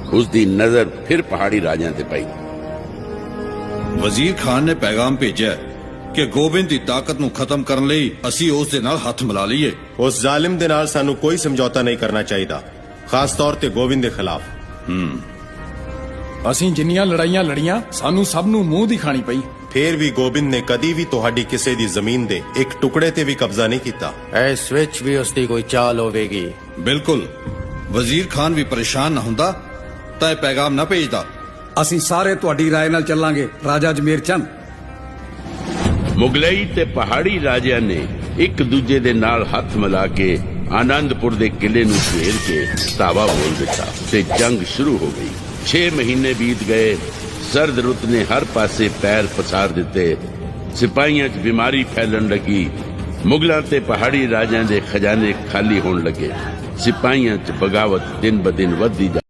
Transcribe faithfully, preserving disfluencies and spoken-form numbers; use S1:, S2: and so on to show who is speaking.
S1: उसकी नजर फिर पहाड़ी राजां ते पई।
S2: वजीर खान ने पैगाम भेजा कि गोबिंद की ताकत नूं खत्म करने लई असीं उस दे नाल हथ मिला लईए।
S3: उस जालिम दे नाल सानू कोई समझौता नहीं करना चाहिए, खास तौर ते गोबिंद दे खिलाफ।
S4: ਅਸੀਂ ਜਿੰਨੀਆਂ ਲੜਾਈਆਂ ਲੜੀਆਂ ਸਾਨੂੰ ਸਭ ਨੂੰ ਮੂੰਹ ਦੀ ਖਾਣੀ ਪਈ।
S3: फिर भी गोबिंद ने कदी भी तुहाडी किसी दी जमीन दे एक टुकड़े ते भी कब्जा नहीं कीता।
S5: इस विच भी उसकी कोई चाल होवेगी।
S2: बिल्कुल, वजीर खान भी परेशान ना हुंदा तां इह पैगाम ना भेजदा।
S4: ਅਸੀਂ ਸਾਰੇ ਤੁਹਾਡੀ ਰਾਏ ਨਾਲ ਚੱਲਾਂਗੇ ਰਾਜਾ ਜਮੇਰ ਚੰਦ।
S1: ਮੁਗਲਈ ਤੇ ਪਹਾੜੀ ਰਾਜਿਆਂ ਨੇ ਇੱਕ ਦੂਜੇ ਦੇ ਨਾਲ ਹੱਥ ਮਿਲਾ ਕੇ ਆਨੰਦਪੁਰ ਦੇ ਕਿਲੇ ਨੂੰ ਘੇਰ ਕੇ ਧਾਵਾ ਬੋਲ ਦਿੱਤਾ ਤੇ ਜੰਗ ਸ਼ੁਰੂ ਹੋ ਗਈ। ਛੇ ਮਹੀਨੇ ਬੀਤ ਗਏ। ਸਰਦ ਰੁੱਤ ਨੇ ਹਰ ਪਾਸੇ ਪੈਰ ਪਸਾਰ ਦਿੱਤੇ। ਸਿਪਾਹੀਆਂ 'ਚ ਬਿਮਾਰੀ ਫੈਲਣ ਲੱਗੀ। ਮੁਗਲਾਂ ਤੇ ਪਹਾੜੀ ਰਾਜਿਆਂ ਦੇ ਖਜ਼ਾਨੇ ਖਾਲੀ ਹੋਣ ਲੱਗੇ। ਸਿਪਾਹੀਆਂ 'ਚ ਬਗਾਵਤ ਦਿਨ ਬ ਦਿਨ ਵੱਧਦੀ